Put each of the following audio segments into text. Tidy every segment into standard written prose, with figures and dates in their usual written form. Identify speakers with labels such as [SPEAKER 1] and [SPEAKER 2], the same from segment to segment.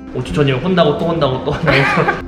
[SPEAKER 1] 5초 전이면 혼나고 또 혼나고 또 혼나고.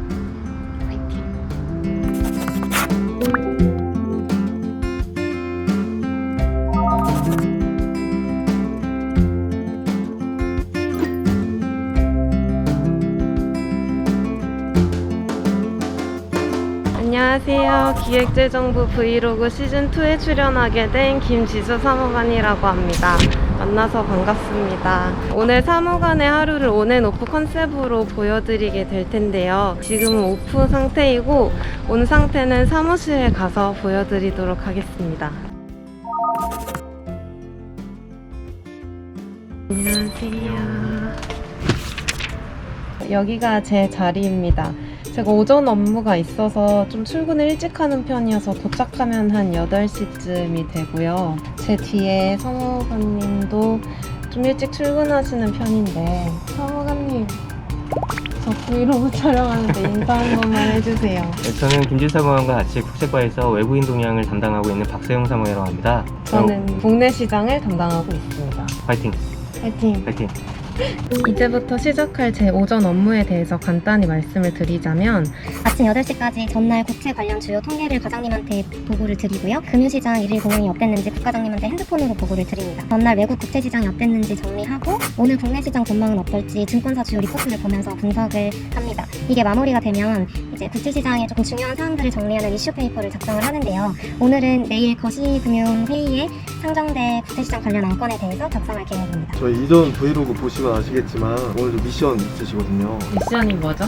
[SPEAKER 2] 안녕하세요. 기획재정부 브이로그 시즌2에 출연하게 된 김지수 사무관이라고 합니다. 만나서 반갑습니다. 오늘 사무관의 하루를 온앤오프 컨셉으로 보여드리게 될 텐데요. 지금은 오프 상태이고 온 상태는 사무실에 가서 보여드리도록 하겠습니다. 안녕하세요. 여기가 제 자리입니다. 제가 오전 업무가 있어서 좀 출근을 일찍 하는 편이어서 도착하면 한 8시쯤이 되고요. 제 뒤에 사무관님도 좀 일찍 출근하시는 편인데, 사무관님, 저 브이로그 촬영하는데 인사 한 번만 해주세요.
[SPEAKER 3] 네, 저는 김지수 사무관과 같이 국제과에서 외국인 동향을 담당하고 있는 박세용 사무관이라고 합니다.
[SPEAKER 2] 저는 국내 시장을 담당하고 있습니다.
[SPEAKER 3] 화이팅!
[SPEAKER 2] 화이팅!
[SPEAKER 3] 화이팅!
[SPEAKER 2] 이제부터 시작할 제 오전 업무에 대해서 간단히 말씀을 드리자면,
[SPEAKER 4] 아침 8시까지 전날 국채 관련 주요 통계를 과장님한테 보고를 드리고요. 금융시장 일일 공연이 어땠는지 국과장님한테 핸드폰으로 보고를 드립니다. 전날 외국 국제시장이 어땠는지 정리하고 오늘 국내 시장 전망은 어떨지 증권사 주요 리포트를 보면서 분석을 합니다. 이게 마무리가 되면 이제 국제시장의 조금 중요한 사항들을 정리하는 이슈 페이퍼를 작성을 하는데요. 오늘은 내일 거시금융회의에 상정될 국제시장 관련 안건에 대해서 작성할 계획입니다.
[SPEAKER 5] 저희 이전 브이로그 보시면 아시겠지만 오늘도 미션 있으시거든요.
[SPEAKER 2] 미션이 뭐죠?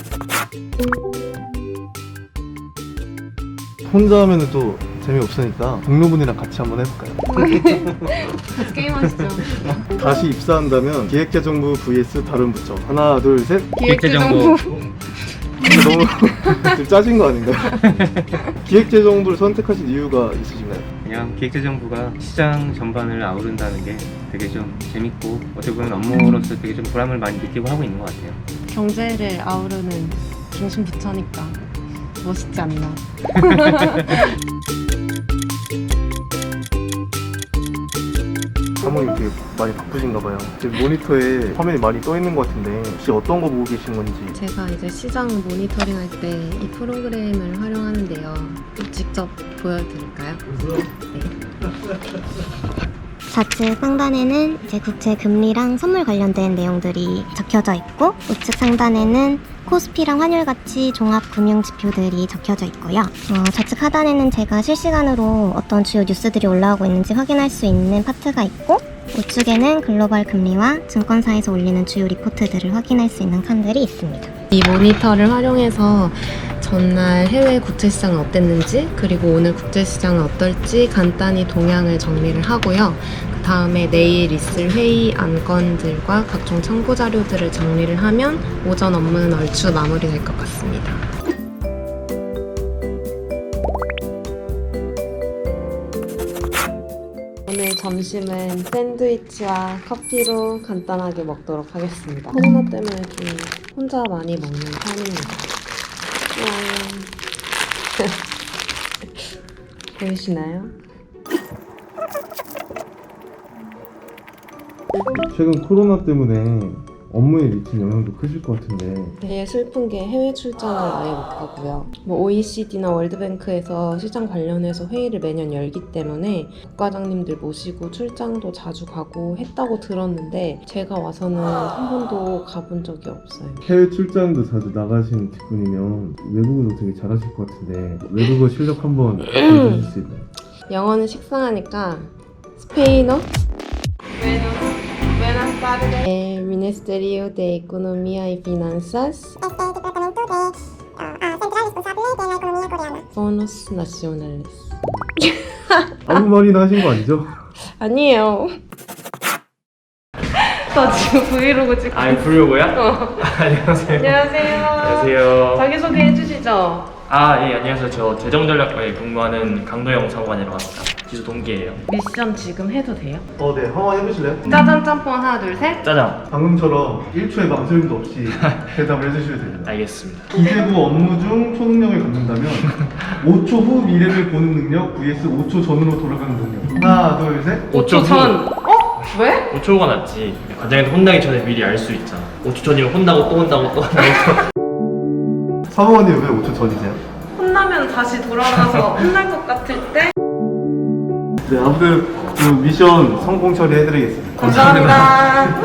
[SPEAKER 5] 혼자 하면 또 재미없으니까 동료분이랑 같이 한번 해볼까요?
[SPEAKER 2] 같이 게임하시죠.
[SPEAKER 5] 다시 입사한다면 기획재정부 vs 다른 부처. 하나 둘 셋.
[SPEAKER 2] 기획재정부.
[SPEAKER 5] 너무 좀 짜진 거 아닌가요? 기획재정부를 선택하신 이유가 있으신가요?
[SPEAKER 3] 그냥 기획재정부가 시장 전반을 아우른다는 게 되게 좀 재밌고 어떻게 보면 업무로서 되게 좀 보람을 많이 느끼고 하고 있는 것 같아요.
[SPEAKER 2] 경제를 아우르는 중심 부처니까 멋있지 않나.
[SPEAKER 5] 사모님 되게 많이 바쁘신가 봐요. 지금 모니터에 화면이 많이 떠 있는 것 같은데 혹시 어떤 거 보고 계신 건지.
[SPEAKER 2] 제가 이제 시장 모니터링 할 때 이 프로그램을 활용하는데요. 직접 보여드릴까요? 네.
[SPEAKER 4] 좌측 상단에는 이제 국채 금리랑 선물 관련된 내용들이 적혀져 있고, 우측 상단에는 코스피랑 환율 가치 종합 금융 지표들이 적혀져 있고요. 좌측 하단에는 제가 실시간으로 어떤 주요 뉴스들이 올라오고 있는지 확인할 수 있는 파트가 있고, 우측에는 글로벌 금리와 증권사에서 올리는 주요 리포트들을 확인할 수 있는 칸들이 있습니다.
[SPEAKER 2] 이 모니터를 활용해서 전날 해외 국제시장은 어땠는지, 그리고 오늘 국제시장은 어떨지 간단히 동향을 정리를 하고요. 그 다음에 내일 있을 회의 안건들과 각종 참고 자료들을 정리를 하면 오전 업무는 얼추 마무리될 것 같습니다. 오늘 점심은 샌드위치와 커피로 간단하게 먹도록 하겠습니다. 코로나 때문에 좀 혼자 많이 먹는 편입니다. 보이시나요?
[SPEAKER 5] 최근 코로나 때문에 업무에 미친 영향도 크실 것 같은데
[SPEAKER 2] 되게 슬픈 게 해외 출장을 아예 못하고요. OECD나 월드뱅크에서 시장 관련해서 회의를 매년 열기 때문에 국과장님들 모시고 출장도 자주 가고 했다고 들었는데 제가 와서는 한 번도 가본 적이 없어요.
[SPEAKER 5] 해외 출장도 자주 나가시는 뒷분이면 외국어도 되게 잘하실 것 같은데 외국어 실력 한번 보여주실 수 있나요?
[SPEAKER 2] 영어는 식상하니까 스페인어? Buenas tardes. El Ministerio de Economía y Finanzas. Bonos nacionales.
[SPEAKER 5] 아무 말이나 하신 거 아니죠?
[SPEAKER 2] 아니에요. 저 지금 브이로그 찍고
[SPEAKER 1] 아, 부르고요? 안녕하세요.
[SPEAKER 2] 안녕하세요.
[SPEAKER 1] 안녕하세요.
[SPEAKER 2] 자기소개 해주시죠.
[SPEAKER 1] 아, 예, 안녕하세요. 저 재정전략과에 근무하는 강도영 사무관이라고 합니다. 지수 동기예요.
[SPEAKER 2] 미션 지금 해도 돼요?
[SPEAKER 5] 네. 한번 해보실래요?
[SPEAKER 2] 짜장 짬뽕 하나 둘 셋.
[SPEAKER 1] 짜장.
[SPEAKER 5] 방금처럼 1초의 망설임도 없이 대답을 해주셔야 됩니다.
[SPEAKER 1] 알겠습니다.
[SPEAKER 5] 기재부 업무 중 초능력을 갖는다면 5초 후 미래를 보는 능력 vs 5초 전으로 돌아가는 능력. 하나 둘 셋.
[SPEAKER 2] 5초 전. 어? 왜?
[SPEAKER 1] 5초가 낫지. 과장님도 혼나기 전에 미리 알 수 있잖아. 5초 전이면 혼나고 또 혼나고 또 혼나고.
[SPEAKER 5] 사모님 왜 5초 전이세요?
[SPEAKER 2] 혼나면 다시 돌아가서 혼날 것 같을 때?
[SPEAKER 5] 네, 아무튼 그 미션 성공 처리해드리겠습니다.
[SPEAKER 2] 감사합니다.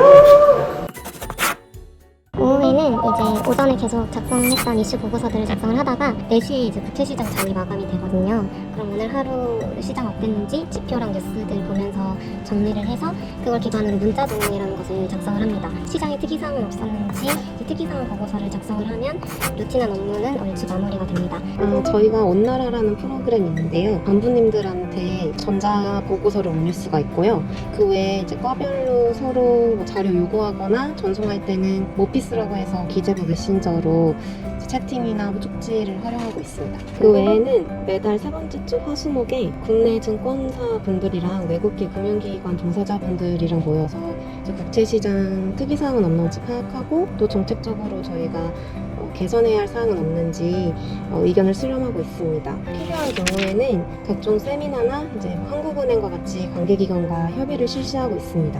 [SPEAKER 4] 오후에는 이제 오전에 계속 작성했던 이슈 보고서들을 작성을 하다가 4시에 이제 국채시장 잔이 마감이 되거든요. 그럼 오늘 하루 시장 어땠는지 지표랑 뉴스들 보면서 정리를 해서 그걸 기반으로 문자 동영이라는 것을 작성을 합니다. 시장에 특이사항은 없었는지 이제 특이사항 보고서를 작성을 하면 루틴한 업무는 얼추 마무리가 됩니다.
[SPEAKER 2] 저희가 온나라라는 프로그램이 있는데요. 간부님들한테 전자 보고서를 올릴 수가 있고요. 그 외에 이제 과별로 서로 뭐 자료 요구하거나 전송할 때는 모피스라고 해서 기재부 메신저로 채팅이나 쪽지를 활용하고 있습니다. 그 외에는 매달 세 번째 주 화수목에 국내 증권사 분들이랑 외국계 금융기관 종사자분들이랑 모여서 이제 국채시장 특이사항은 없는지 파악하고 또 정책적으로 저희가 개선해야 할 사항은 없는지 의견을 수렴하고 있습니다. 필요한 경우에는 각종 세미나나 이제 한국은행과 같이 관계기관과 협의를 실시하고 있습니다.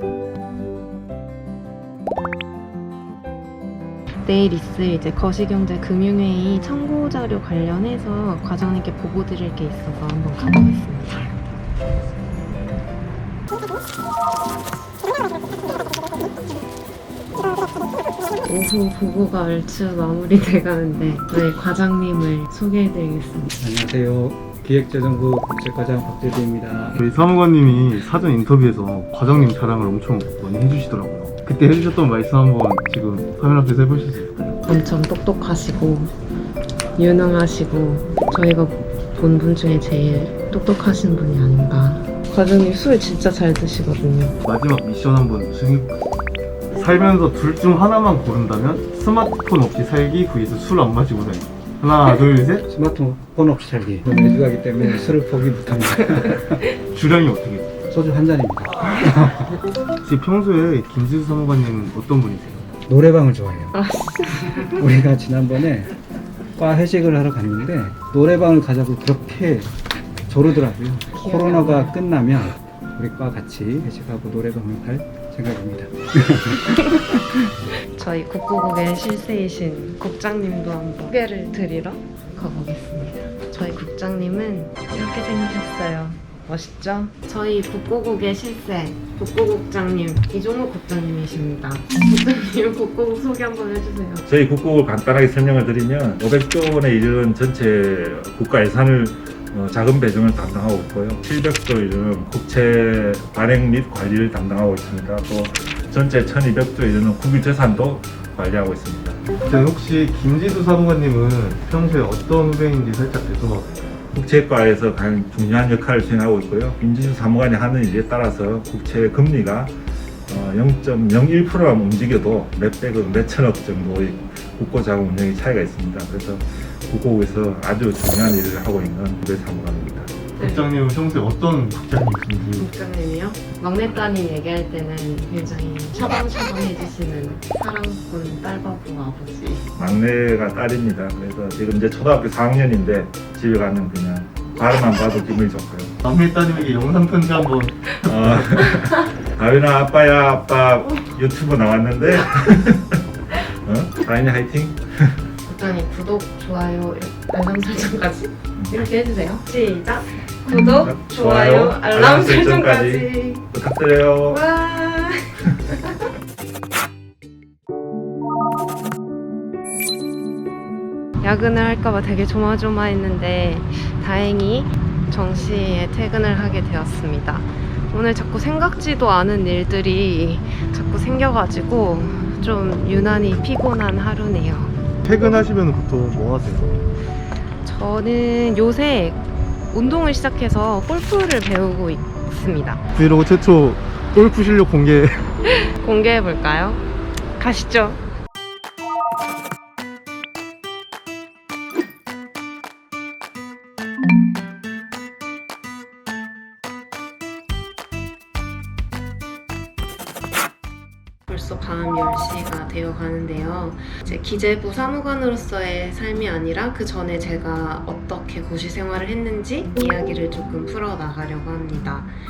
[SPEAKER 2] 내일 있을 이제 거시경제 금융회의 참고 자료 관련해서 과장님께 보고 드릴 게 있어서 한번 가보겠습니다. 오후 보고가 얼추 마무리돼 가는데 저희 과장님을 소개해드리겠습니다.
[SPEAKER 6] 안녕하세요. 기획재정부 국제과장 박재두입니다.
[SPEAKER 5] 우리 사무관님이 사전 인터뷰에서 과장님 자랑을 엄청 많이 해주시더라고요. 그때 해주셨던 말씀 한번 지금 카메라 앞에서 해보실 수 있을까요?
[SPEAKER 2] 엄청 똑똑하시고 유능하시고 저희가 본 분 중에 제일 똑똑하신 분이 아닌가. 과장님 술 진짜 잘 드시거든요.
[SPEAKER 5] 마지막 미션 한번 수행해볼까요? 살면서 둘 중 하나만 고른다면 스마트폰 없이 살기 vs 술 안 마시고 살기. 하나 둘 셋.
[SPEAKER 6] 스마트폰 없이 살기. 저는 애주가기 때문에 술을 포기 못합니다.
[SPEAKER 5] 주량이 어떻게 돼요?
[SPEAKER 6] 소주 한 잔입니다.
[SPEAKER 5] 혹시 평소에 김지수 사무관님은 어떤 분이세요?
[SPEAKER 6] 노래방을 좋아해요. 우리가 지난번에 과 회식을 하러 갔는데 노래방을 가자고 그렇게 조르더라고요. 코로나가 끝나면 우리 과 같이 회식하고 노래방을 갈 생각입니다.
[SPEAKER 2] 저희 국고국의 실세이신 국장님도 한번 소개를 드리러 가보겠습니다. 저희 국장님은 이렇게 생기셨어요. 멋있죠? 저희 국고국의 실세 국고국장님 이종욱 국장님이십니다. 국장님 국고국 소개 한번 해주세요.
[SPEAKER 7] 저희 국국을 간단하게 설명을 드리면 500조 원에 이르는 전체 국가 예산을 자금 배정을 담당하고 있고요. 700조 이르는 국채 발행 및 관리를 담당하고 있습니다. 또 전체 1200조 이르는 국유 재산도 관리하고 있습니다.
[SPEAKER 5] 자, 혹시 김지수 사무관님은 평소에 어떤 후배인지 살짝 대소만 해주세요.
[SPEAKER 7] 국채과에서 가장 중요한 역할을 수행하고 있고요. 김지수 사무관이 하는 일에 따라서 국채 금리가 0.01%만 움직여도 몇백억, 몇천억 정도의 국고자금 운영의 차이가 있습니다. 그래서 국고국에서 아주 중요한 일을 하고 있는 후배 사무관입니다.
[SPEAKER 5] 국장님은 평소에 어떤 국장님이신지.
[SPEAKER 2] 국장님이요? 막내 따님 얘기할 때는 굉장히 샤방샤방해주시는 사랑꾼 딸바보 아버지.
[SPEAKER 7] 막내가 딸입니다. 그래서 지금 이제 초등학교 4학년인데 집에 가면 그냥 발음만 봐도 기분이 좋고요.
[SPEAKER 5] 막내 따님에게 영상 편지 한번.
[SPEAKER 7] 다윈아 아빠야, 아빠 유튜브 나왔는데 다윈이 화이팅.
[SPEAKER 2] 국장님 구독, 좋아요, 알람 설정까지 이렇게 해주세요. 시작! 구독, 좋아요, 알람 설정까지
[SPEAKER 7] 부탁드려요.
[SPEAKER 2] 와. 야근을 할까봐 되게 조마조마했는데 다행히 정시에 퇴근을 하게 되었습니다. 오늘 자꾸 생각지도 않은 일들이 자꾸 생겨가지고 좀 유난히 피곤한 하루네요.
[SPEAKER 5] 퇴근하시면 보통 뭐 하세요?
[SPEAKER 2] 저는 요새 운동을 시작해서 골프를 배우고 있습니다.
[SPEAKER 5] 브이로그 최초 골프 실력
[SPEAKER 2] 공개해볼까요? 가시죠. 벌써 밤 10시가 되어 가는데요. 이제 기재부 사무관으로서의 삶이 아니라 그 전에 제가 어떻게 고시 생활을 했는지 이야기를 조금 풀어나가려고 합니다.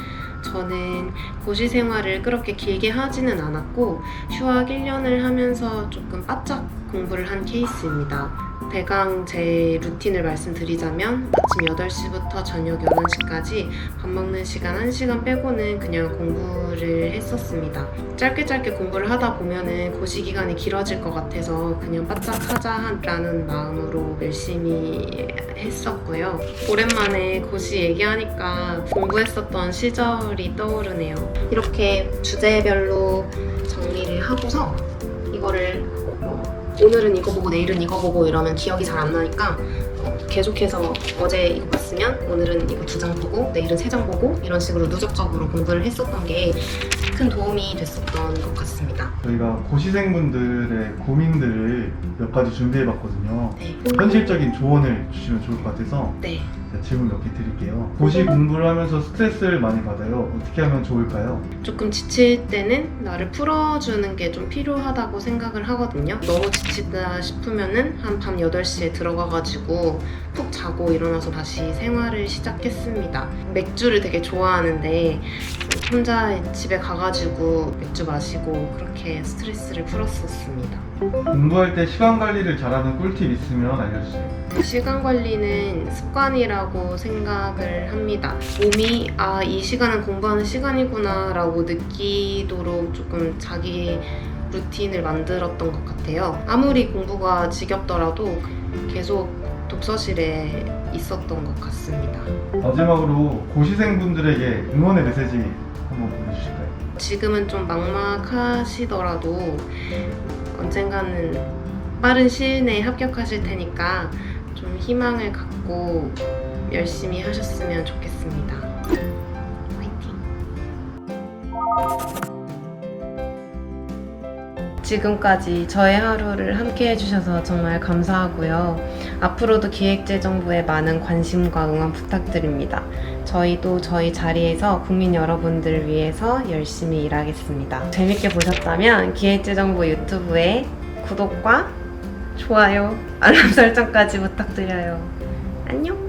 [SPEAKER 2] 저는 고시 생활을 그렇게 길게 하지는 않았고 휴학 1년을 하면서 조금 바짝 공부를 한 케이스입니다. 대강 제 루틴을 말씀드리자면 아침 8시부터 저녁 11시까지 밥 먹는 시간 1시간 빼고는 그냥 공부를 했었습니다. 짧게 공부를 하다 보면은 고시 기간이 길어질 것 같아서 그냥 바짝 하자라는 마음으로 열심히 했었고요. 오랜만에 고시 얘기하니까 공부했었던 시절이 떠오르네요. 이렇게 주제별로 정리를 하고서 이거를 오늘은 이거 보고 내일은 이거 보고 이러면 기억이 잘 안 나니까 계속해서 어제 이거 봤으면 오늘은 이거 2장 보고 내일은 3장 보고 이런 식으로 누적적으로 공부를 했었던 게 큰 도움이 됐었던 것 같습니다.
[SPEAKER 5] 저희가 고시생분들의 고민들을 몇 가지 준비해봤거든요.
[SPEAKER 2] 네.
[SPEAKER 5] 현실적인 조언을 주시면 좋을 것 같아서
[SPEAKER 2] 네.
[SPEAKER 5] 질문 몇 개 드릴게요. 고시 공부를 하면서 스트레스를 많이 받아요. 어떻게 하면 좋을까요?
[SPEAKER 2] 조금 지칠 때는 나를 풀어주는 게 좀 필요하다고 생각을 하거든요. 너무 지치다 싶으면은 한 밤 8시에 들어가가지고 푹 자고 일어나서 다시 생활을 시작했습니다. 맥주를 되게 좋아하는데 혼자 집에 가가지고 맥주 마시고 그렇게 스트레스를 풀었었습니다.
[SPEAKER 5] 공부할 때 시간 관리를 잘하는 꿀팁 있으면 알려주세요.
[SPEAKER 2] 시간 관리는 습관이라고 생각을 합니다. 몸이 이 시간은 공부하는 시간이구나 라고 느끼도록 조금 자기 루틴을 만들었던 것 같아요. 아무리 공부가 지겹더라도 계속 독서실에 있었던 것 같습니다.
[SPEAKER 5] 마지막으로 고시생분들에게 응원의 메시지 한번 보내주실까요?
[SPEAKER 2] 지금은 좀 막막하시더라도 언젠가는 빠른 시일 내에 합격하실 테니까 좀 희망을 갖고 열심히 하셨으면 좋겠습니다. 화이팅! 지금까지 저의 하루를 함께 해주셔서 정말 감사하고요. 앞으로도 기획재정부에 많은 관심과 응원 부탁드립니다. 저희도 저희 자리에서 국민 여러분들을 위해서 열심히 일하겠습니다. 재밌게 보셨다면 기획재정부 유튜브에 구독과 좋아요, 알람 설정까지 부탁드려요. 안녕!